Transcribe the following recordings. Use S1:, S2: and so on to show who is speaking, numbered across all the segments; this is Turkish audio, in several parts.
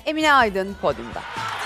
S1: Emine Aydın podyumda.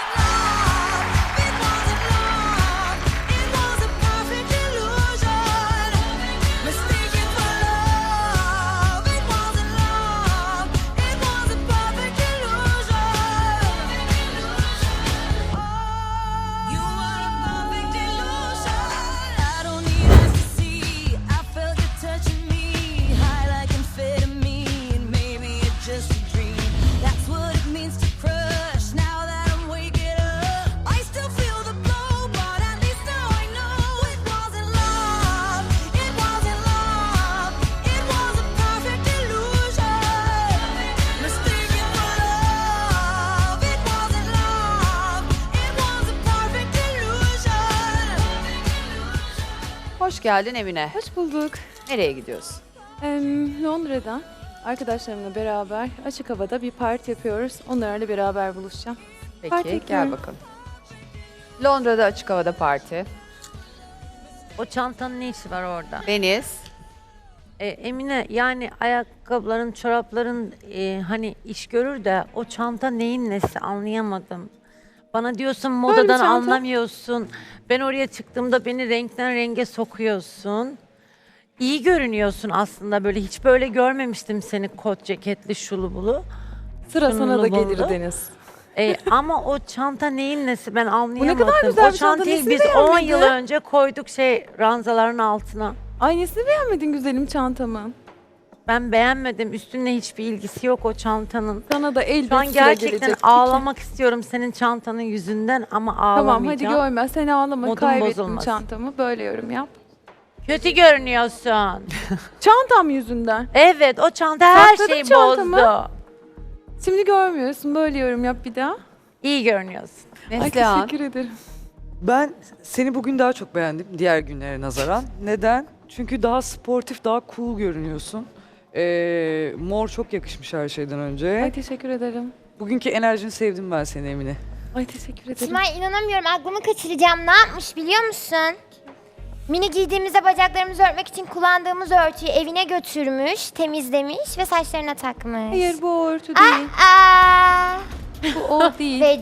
S1: Hoş geldin Emine.
S2: Hoş bulduk.
S1: Nereye gidiyorsun?
S2: Londra'da arkadaşlarımla beraber açık havada bir parti yapıyoruz. Onlarla beraber buluşacağım.
S1: Peki
S2: Parti
S1: gel
S2: yapıyorum.
S1: bakalım. Londra'da açık havada parti.
S3: O çantanın ne işi var orada?
S1: Deniz.
S3: Emine yani ayakkabıların, çorapların hani iş görür de o çanta neyin nesi anlayamadım. Bana diyorsun
S2: Böyle bir
S3: modadan
S2: çanta.
S3: anlamıyorsun. Ben oraya çıktığımda beni renkten renge sokuyorsun. İyi görünüyorsun aslında böyle. Hiç böyle görmemiştim seni kot ceketli şulu bulu.
S2: Sıra sana da
S3: Sunumlu
S2: gelir
S3: buldu.
S2: Deniz.
S3: Ama o çanta neyin nesi ben anlayamadım.
S2: kadar güzel
S3: o
S2: bir çanta,
S3: çantayı
S2: nesini
S3: biz 10
S2: beğenmedin?
S3: yıl önce koyduk ranzaların altına.
S2: Ay nesini beğenmedin güzelim çantamı?
S3: Ben beğenmedim. Üstünle hiçbir ilgisi yok o çantanın.
S2: Sana da elbet
S3: Şu an
S2: sıra
S3: gerçekten
S2: gelecek.
S3: ağlamak istiyorum senin çantanın yüzünden ama
S2: Tamam
S3: ağlamayacağım.
S2: hadi görme sen ağlama.
S3: Modum
S2: Kaybettim
S3: bozulmasın.
S2: çantamı. Böyle yorum yap.
S3: Kötü görünüyorsun.
S2: Çantam yüzünden.
S3: Evet o çanta her
S2: Sakladım
S3: şeyi
S2: çantamı.
S3: bozdu.
S2: Şimdi görmüyorsun. Böyle yorum yap bir daha.
S3: İyi görünüyorsun.
S2: Ay
S1: Neslihan.
S2: teşekkür ederim.
S4: Ben seni bugün daha çok beğendim diğer günlere nazaran. Neden? Çünkü daha sportif, daha cool görünüyorsun. Mor çok yakışmış her şeyden önce.
S2: Ay teşekkür ederim.
S4: Bugünkü enerjini sevdim ben seni Emine.
S2: Ay teşekkür ederim.
S5: Simay inanamıyorum aklımı kaçıracağım. Ne yapmış biliyor musun? Mini giydiğimizde bacaklarımızı örtmek için kullandığımız örtüyü evine götürmüş, temizlemiş ve saçlarına takmış.
S2: Hayır bu örtü değil.
S5: Aa,
S2: Bu o değil.
S5: ve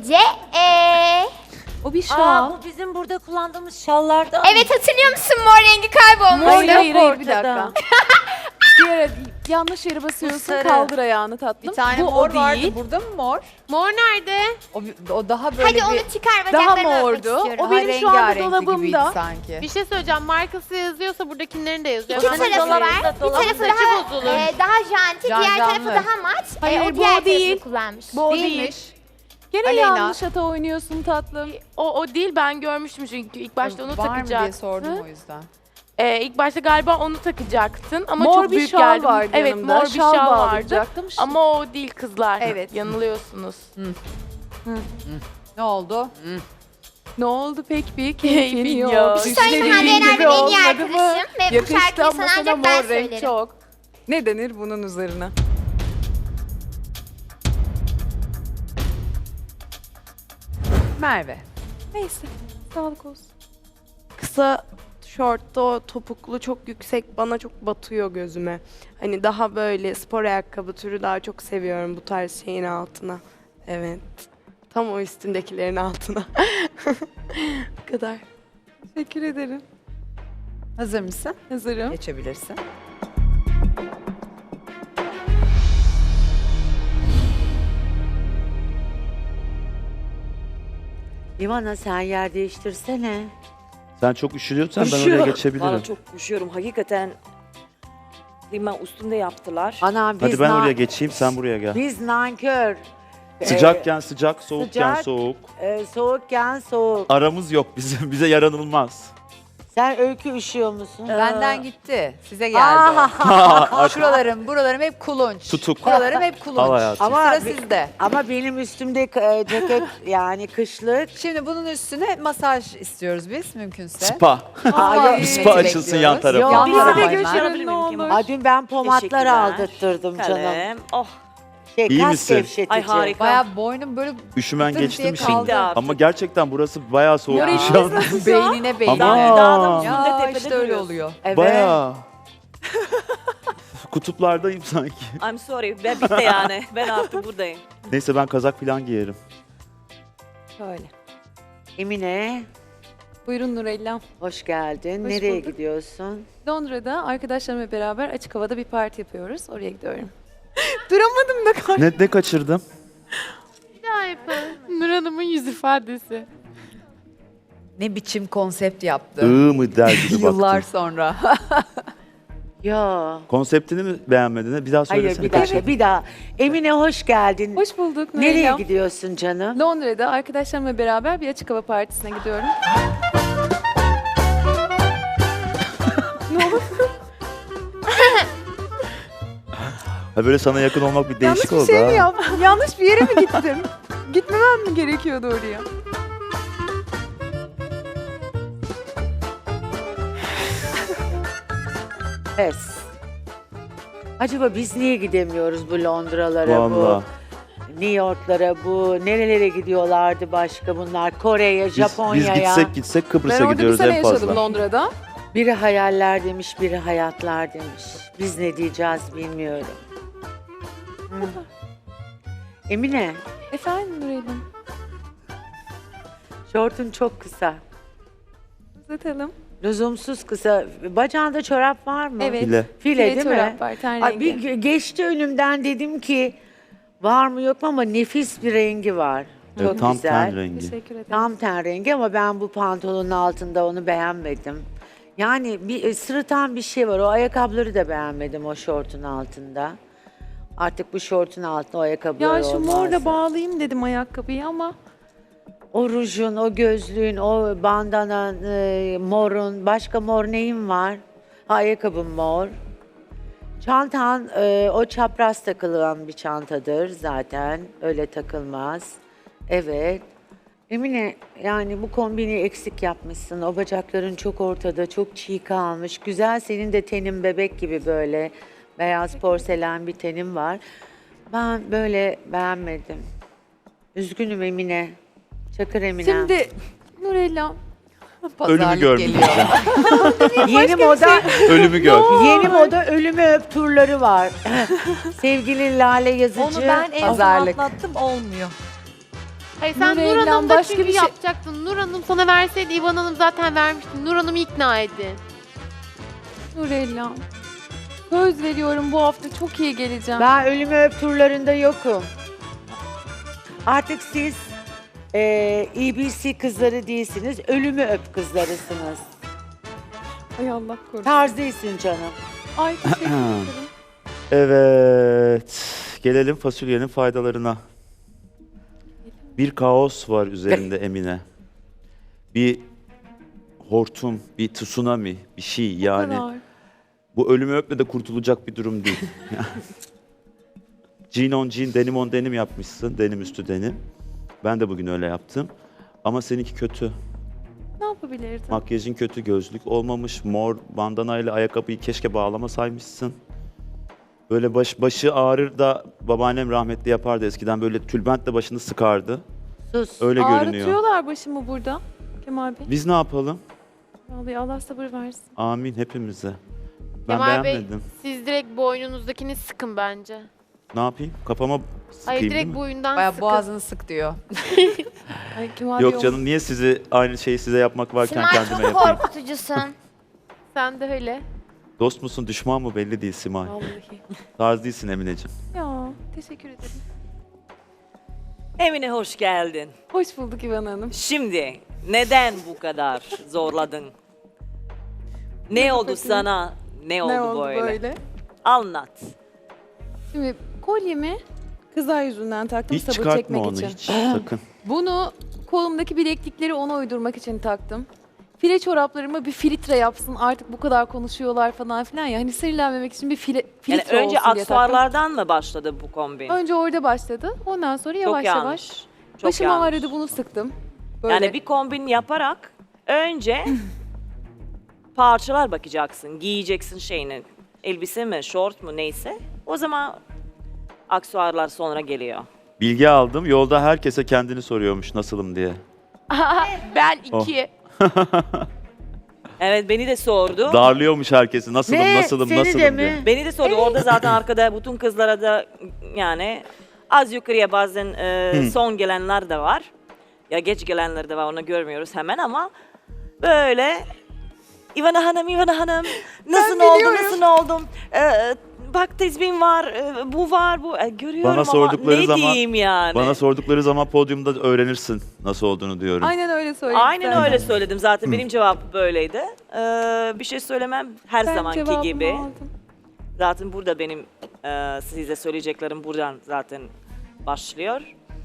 S2: O bir şal.
S3: Bu bizim burada kullandığımız şallardan.
S5: Evet hatırlıyor musun mor rengi kaybolmuş.
S3: Mor yok
S2: hayır, bir
S3: ortada.
S2: dakika. Bir yere yanlış yere basıyorsun.
S3: Sarı.
S2: Kaldır ayağını tatlım.
S1: Bir tane
S2: bu
S1: mor
S2: o değil.
S1: vardı. Burada mı mor?
S6: Mor nerede?
S1: O daha böyle
S5: Hadi onu
S1: bir
S5: çıkar
S2: Daha
S5: bacaklarını örtmek
S2: mordu.
S5: istiyorum.
S2: O benim şu anda
S1: rengarenkli
S2: dolabımda.
S1: gibiydi sanki.
S6: Bir şey söyleyeceğim. Markası yazıyorsa buradakilerin de yazıyor.
S5: İki
S6: Ben
S5: tarafı
S6: dolabımda
S5: var. Bir
S6: dolabın
S5: tarafı
S6: saçı
S5: daha,
S6: bozulur.
S5: daha janti, diğer tarafı
S1: Canlı.
S5: daha mat.
S2: Hayır,
S5: o
S2: bu
S5: diğer
S2: o değil.
S5: tarafını kullanmış.
S2: Bu o değil.
S1: Değilmiş.
S2: Gene
S1: Aleyna.
S2: yanlış hata oynuyorsun tatlım.
S6: O değil ben görmüştüm çünkü ilk başta onu
S1: Var mı diye
S6: takacaktın.
S1: sordum o yüzden.
S6: İlk başta galiba onu takacaktın ama
S2: Mor
S6: çok
S2: bir
S6: büyük
S2: şal
S6: geldi.
S2: vardı
S6: Evet
S2: yanımda.
S6: mor bir şal vardı.
S2: bağlayacaktım.
S6: Ama o değil kızlar.
S2: Evet.
S6: Yanılıyorsunuz.
S1: Ne oldu?
S2: Ne oldu pek bir
S6: Keyfin
S2: keyfin
S6: yok.
S2: yok.
S6: Bir
S5: söyleyeyim, Hande
S2: Düşlediğin
S5: Yener
S2: gibi
S5: benim en iyi
S2: olmadı mı?
S5: arkadaşım ve bu
S2: Yakıştı
S5: şarkıyı
S2: ama
S5: sana
S2: sana
S5: ancak ben
S2: mor renk
S5: söylerim.
S2: çok. Ne denir bunun üzerine?
S1: Merve.
S2: Neyse. Sağlık olsun.
S7: Kısa şortta o topuklu çok yüksek bana çok batıyor gözüme. Hani daha böyle spor ayakkabı türü daha çok seviyorum bu tarz şeyin altına. Evet. Tam o üstündekilerin altına. Bu kadar.
S2: Teşekkür ederim.
S1: Hazır mısın?
S2: Hazırım.
S1: Geçebilirsin.
S3: İvana sen yer değiştirsene.
S8: Sen çok üşüyorsan ben oraya geçebilirim.
S9: Valla çok üşüyorum. Hakikaten klima üstünde yaptılar.
S3: Ana biz
S8: Hadi ben oraya geçeyim, sen buraya gel.
S3: Biz nankör.
S8: Sıcakken sıcak, soğukken
S3: sıcak.
S8: soğuk.
S3: Soğukken soğuk.
S8: Aramız yok bizim, bize yaranılmaz.
S3: Sen öykü üşüyor musun?
S1: Benden gitti. Size geldi. Şuralarım hep kulunç.
S8: Tutuk.
S1: Buralarım hep kulunç.
S8: Al hayatım.
S1: Sıra sizde.
S3: Ama benim üstümde ceket yani kışlık.
S1: Şimdi bunun üstüne masaj istiyoruz biz mümkünse.
S8: Spa.
S1: Ay,
S8: Spa
S1: hizmeti
S8: açılsın yan
S1: bekliyoruz.
S8: tarafa.
S1: Yan
S3: Bizi de
S1: tarafa
S2: götürün.
S1: hemen.
S2: Ne olur.
S3: Aa, dün ben pomatlar
S9: Teşekkürler.
S3: aldırttırdım canım.
S9: Kalem. Oh,
S8: İyi
S3: Kas
S8: misin?
S3: gevşetici.
S9: ay harika.
S1: Bayağı boynum böyle
S8: Üşümen
S1: Tık diye
S8: geçti mi
S1: kaldı.
S8: şimdi? Ama gerçekten burası bayağı soğuk
S2: Moraliniz
S8: şu an.
S1: beynine beynine.
S8: Ama-
S9: Dağda
S1: Ya
S9: üstünde tepede
S1: işte öyle
S9: duruyorsun.
S1: oluyor.
S3: Evet.
S8: Bayağı. kutuplardayım sanki.
S9: I'm sorry. Ben bitti yani. Ben artık buradayım.
S8: Neyse ben kazak falan giyerim.
S3: Şöyle.
S10: Emine,
S2: Buyurun Nurella.
S10: hoş geldin.
S2: Hoş
S10: Nereye
S2: bulduk.
S10: gidiyorsun?
S2: Londra'da arkadaşlarımla beraber açık havada bir parti yapıyoruz. Oraya gidiyorum. Duramadım da
S8: Ne kaçırdım?
S6: Nur Hanım'ın yüz ifadesi.
S1: Ne biçim konsept yaptı.
S8: Mı der gibi
S1: Yıllar
S8: baktım.
S1: sonra.
S10: Ya.
S8: Konseptini mi beğenmedin? Bir daha
S10: Hayır
S8: söylesene.
S10: bir dakika bir daha. Emine hoş geldin.
S2: Hoş bulduk
S10: Nereye
S2: Nurella.
S10: gidiyorsun canım?
S2: Londra'da arkadaşlarımla beraber bir açık hava partisine gidiyorum.
S8: Ha böyle sana yakın olmak bir değişik
S2: Yanlış bir
S8: oldu
S2: şey
S8: ha.
S2: mi yaptım? Yanlış bir yere mi gittim? Gitmemem mi gerekiyordu oraya?
S10: Pes. Acaba biz niye gidemiyoruz bu Londra'lara,
S8: Vallahi.
S10: bu New York'lara, bu nerelere gidiyorlardı başka bunlar? Kore'ye,
S8: Biz
S10: Japonya'ya.
S8: gitsek
S2: Ben
S8: Kıbrıs'a
S2: orada bir
S8: gidiyoruz
S2: sene
S8: en fazla.
S2: yaşadım Londra'da.
S10: Biri hayaller demiş, biri hayatlar demiş. Biz ne diyeceğiz bilmiyorum. Hı. Emine,
S2: Efendim Nurel'im,
S10: şortun çok kısa.
S2: uzatalım.
S10: Lüzumsuz kısa. Bacağında çorap var mı?
S2: Evet.
S8: File.
S10: File değil
S2: çorap
S10: mi?
S2: var, ten
S10: Ay,
S2: rengi.
S10: bir geçti önümden dedim ki var mı yok mu ama nefis bir rengi var.
S8: Evet,
S10: Çok
S8: tam
S10: güzel.
S8: ten rengi.
S2: Teşekkür ederim.
S10: Tam ten rengi ama ben bu pantolonun altında onu beğenmedim. Yani bir sırıtan bir şey var. O ayakkabıları da beğenmedim o şortun altında. Artık bu şortun altında o ayakkabılar
S2: Ya şu
S10: olmaz.
S2: morda bağlayayım dedim ayakkabıyı ama
S10: O rujun, o gözlüğün, o bandanan, morun, başka mor neyin var? Ha, ayakkabın mor. Çantan, o çapraz takılan bir çantadır zaten. Öyle takılmaz. Evet. Emine, yani bu kombini eksik yapmışsın. O bacakların çok ortada, çok çiğ kalmış. Güzel, senin de tenin bebek gibi böyle. Beyaz porselen bir tenin var. Ben böyle beğenmedim. Üzgünüm Emine. Çakır Emine.
S2: şimdi Nurella
S8: Ölümü
S1: Pazarlık
S8: gördüm.
S1: geliyor.
S10: Yeni moda,
S8: Ölümü gör.
S10: yeni moda ölümü öp turları var. Sevgili Lale Yazıcı.
S11: Onu ben en son
S1: Pazarlık.
S11: atlattım olmuyor.
S6: Hayır sen Nur
S2: Nurella'm
S6: Hanım'da
S2: başka
S6: çünkü
S2: bir şey-
S6: yapacaktın. Nur Hanım sana verseydi İvan Hanım zaten vermişti. Nur Hanım'ı ikna edin.
S2: Nurella. Söz veriyorum bu hafta çok iyi geleceğim.
S10: Ben ölümü öp turlarında yokum. Artık siz EBC kızları değilsiniz, ölümü öp kızlarısınız.
S2: Ay Allah korusun.
S10: Tarz değilsin canım.
S2: Ay teşekkür ederim.
S8: Evet. Gelelim fasulyenin faydalarına. Bir kaos var üzerinde Emine. Bir hortum, bir tsunami, bir şey yani.
S2: Kadar.
S8: Bu ölümü öpme de kurtulacak bir durum değil. Jean on jean, denim on denim yapmışsın. Denim üstü denim. Ben de bugün öyle yaptım. Ama seninki kötü.
S2: Ne yapabilirdim?
S8: Makyajın kötü, gözlük olmamış. Mor bandanayla ayakkabıyı keşke bağlamasaymışsın. Böyle başı ağrır da babaannem rahmetli yapardı eskiden. Böyle tülbentle başını sıkardı.
S10: Sus.
S8: Öyle görünüyor.
S2: Ağrıtıyorlar başımı burada Kemal Bey.
S8: Biz ne yapalım?
S2: Vallahi Allah sabır versin.
S8: Amin hepimize. Ben
S6: Kemal Bey
S8: beğenmedim.
S6: siz direkt boynunuzdakini sıkın bence.
S8: Ne yapayım? Kafama sıkayım
S6: Hayır
S8: değil
S6: direkt
S8: mi?
S6: boyundan
S1: Baya
S6: sıkın.
S1: boğazını sık diyor.
S2: Ay Kemal Bey
S8: Yok canım niye sizi aynı şeyi size yapmak varken
S5: Simay
S8: kendime
S5: çok
S8: yapayım?
S5: korkutucusun.
S6: Sen de öyle.
S8: Dost musun düşman mı belli değil Simay.
S2: Vallahi.
S8: Tarz değilsin Emineciğim.
S2: Ya teşekkür ederim.
S9: Emine hoş geldin.
S2: Hoş bulduk İvan Hanım.
S9: Şimdi neden bu kadar zorladın? Ne oldu sana? Ne oldu, böyle? Anlat.
S2: Şimdi kolyemi kızlar yüzünden taktım
S8: Hiç
S2: sabır
S8: çıkartma
S2: çekmek
S8: onu
S2: için.
S8: hiç sakın.
S2: Bunu kolumdaki bileklikleri ona uydurmak için taktım. File çoraplarımı bir filtre yapsın artık bu kadar konuşuyorlar falan filan ya. Hani sinirlenmemek için bir filtre
S9: Yani önce
S2: olsun diye taktım.
S9: aksesuarlardan mı başladı bu kombin?
S2: Önce orada başladı. Ondan sonra
S9: Çok
S2: yavaş
S9: yanlış.
S2: yavaş.
S9: Çok
S2: Başım
S9: yanlış.
S2: ağrıdı bunu sıktım. Böyle.
S9: Yani bir kombin yaparak önce parçalar bakacaksın, giyeceksin şeyini. Elbise mi, şort mu neyse. O zaman aksesuarlar sonra geliyor.
S8: Bilgi aldım. Yolda herkese kendini soruyormuş nasılım diye.
S6: Ben
S8: Oh.
S6: 2.
S9: Evet, beni de sordu.
S8: Darlıyormuş herkesi. Nasılım,
S10: Ne?
S8: nasılım,
S10: Seni
S8: nasılım
S10: de
S8: diye.
S10: mi?
S9: Beni de sordu. Orada zaten arkada bütün kızlara da yani az yukarıya bazen son gelenler de var. Ya geç gelenler de var, onu görmüyoruz hemen ama böyle İvana Hanım nasıl oldum? Bak tezbihim var, bu var, bu. Görüyorum
S8: Bana
S9: ama
S8: sordukları
S9: ne
S8: zaman-
S9: diyeyim yani.
S8: Bana sordukları zaman podyumda öğrenirsin nasıl olduğunu diyorum.
S2: Aynen öyle söyledim.
S9: Aynen öyle söyledim zaten. Benim cevabım böyleydi. Bir şey söylemem her zamanki gibi. Zaten burada benim size söyleyeceklerim buradan zaten başlıyor.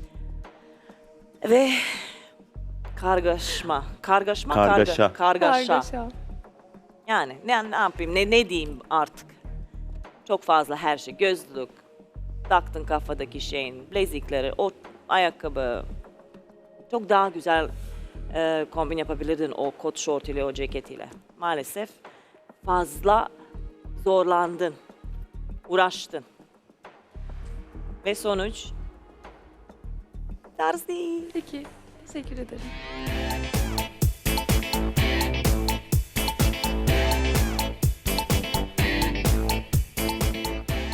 S9: Ve kargaşa. Yani ne yapayım, ne diyeyim artık. Çok fazla her şey, gözlük, taktın kafadaki şeyin, bilezikleri, o ayakkabı. Çok daha güzel kombin yapabilirdin o kot şort ile, o ceket ile. Maalesef fazla zorlandın, uğraştın. Ve sonuç tarz değil.
S2: Peki. Teşekkür ederim.